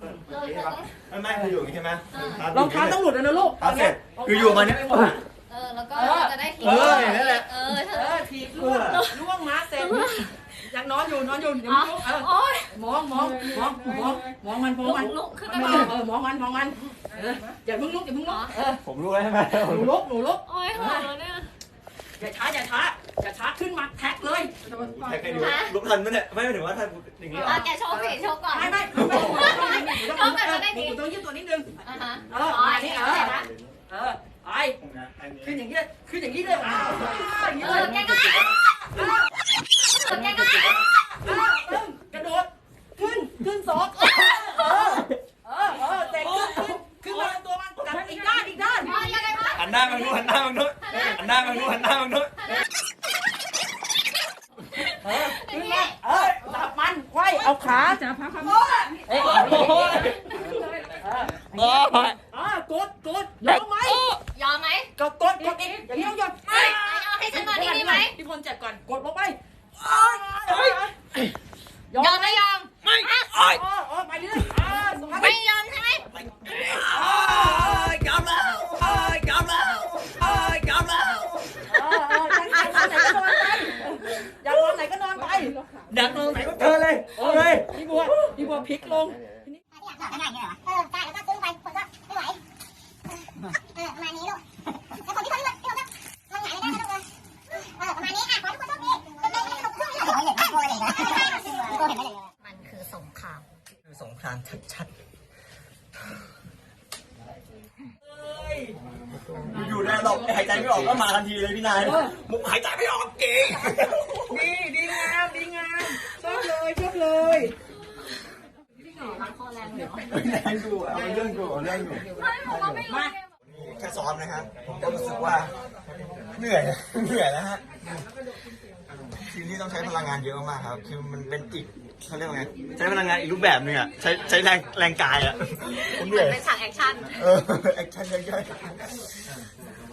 ไม่คืออยู่ใช่ไหมรองเท้าต้องหลุดแล้วนะลูกเสร็จคืออยู่มาเนี้ยแล้วก็จะได้ทีนั่นแหละทีกูล่วงมาเสร็จยังนอนอยู่เดี๋ยวลุกมองมันลุกขึ้นมมาองมันอย่าเพิ่งลุกผมรู้แล้วใช่ไหมหนูลุกโอ้ยหัวเนี่ยอย่าช้าขึ้นมาแท็กเลยใครดูลุกทันไหมเนี่ยไม่ถึงว่าทันอย่างนี้หรอแกโชว์สิโชว์ก่อนไม่ต้องยืดตัวนิดนึงนี่ไอ้ขึ้นอย่างนี้เลยแกก็กระโดดขึ้นสองแต่ขึ้นมาตัวมันกลับอีกด้านยังไงวะหันหน้ามาดูหันหน้ามาดูขึ้นมาจับมันไขว้เอาขาจับพับกดยอมไหมยอมไหมก็กดอีกอย่างนี้ต้องยอมให้ฉันนอนที่นี่ไหมพี่พลเจ็บก่อนกดลงไปยอมไม่ยอมไปเรื่อยไม่ยอมใช่ไหมยอมแล้วอยากนอนไหนก็นอนไปดักตรงไหนก็เจอเลยพี่บัวพลิกลงใช่แล้วก็ซื้อไปคนก็ไม่ไหวประมาณนี้ลูกแล้วคนที่เขาที่เราลงไหนไม่ได้นะลูกเลยประมาณนี้ขอทุกคนโชคดีมันคือสงครามสงครามชัดอยู่ในหลบหายใจไม่ออกก็มาทันทีเลยพี่นายมุกหายใจไม่ออกเก่งดีงามชอบเลยแรงดูเอาเรื่องอยู่แค่ซ้อมนะครับผมก็รู้สึกว่าเหนื่อยแล้วฮะทีนี้ต้องใช้พลังงานเยอะมากครับคือมันเป็นอีกเขาเรียกว่าไงใช้พลังงานอีกรูปแบบนึงอ่ะใช้แรงกายอ่ะผมเหนื่อยเป็นฉากแอคชั่นแอคชั่นเยอะ